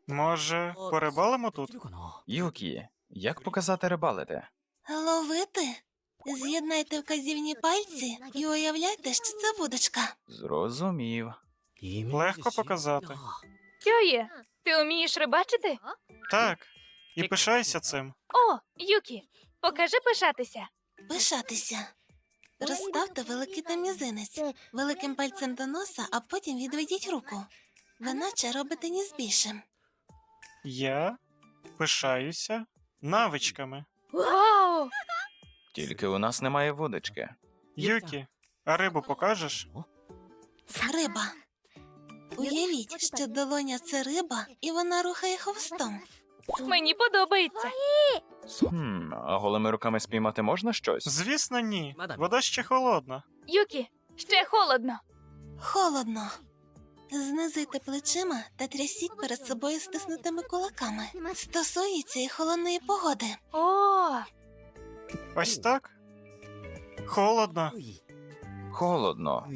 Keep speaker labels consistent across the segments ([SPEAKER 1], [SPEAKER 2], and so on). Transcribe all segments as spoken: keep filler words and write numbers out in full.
[SPEAKER 1] Може, порибалимо тут?
[SPEAKER 2] Юкі, як показати рибалити?
[SPEAKER 3] Ловити? З'єднайте вказівні пальці і уявляйте, що це вудочка.
[SPEAKER 2] Зрозумів.
[SPEAKER 1] Легко показати.
[SPEAKER 4] Кьоє, ти вмієш рибачити?
[SPEAKER 1] Так. І пишайся цим.
[SPEAKER 4] О, Юкі, покажи пишатися.
[SPEAKER 3] Пишатися. Розставте великий та мізинець великим пальцем до носа, а потім відведіть руку. Ви наче робите ніс більшим.
[SPEAKER 1] Я пишаюся навичками.
[SPEAKER 4] Вау!
[SPEAKER 2] Тільки у нас немає вудочки.
[SPEAKER 1] Юкі, а рибу покажеш?
[SPEAKER 3] Риба. Уявіть, що долоня – це риба, і вона рухає хвостом.
[SPEAKER 4] Мені подобається.
[SPEAKER 2] Хм, а голими руками спіймати можна щось?
[SPEAKER 1] Звісно, ні. Вода ще холодна.
[SPEAKER 4] Юкі, ще холодно.
[SPEAKER 3] Холодно. Знизуйте плечима та трясіть перед собою стиснутими кулаками. Стосується і холодної погоди.
[SPEAKER 4] О,
[SPEAKER 1] Ось так? Холодно.
[SPEAKER 2] Холодно.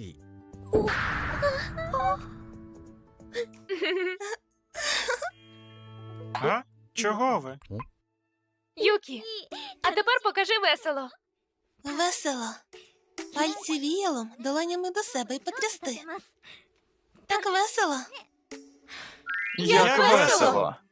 [SPEAKER 1] А? Чого ви?
[SPEAKER 4] Юкі, а тепер покажи весело.
[SPEAKER 3] Весело. Пальці віялом, долонями до себе і потрясти. Так весело.
[SPEAKER 4] Як
[SPEAKER 2] Як
[SPEAKER 4] весело!
[SPEAKER 2] весело!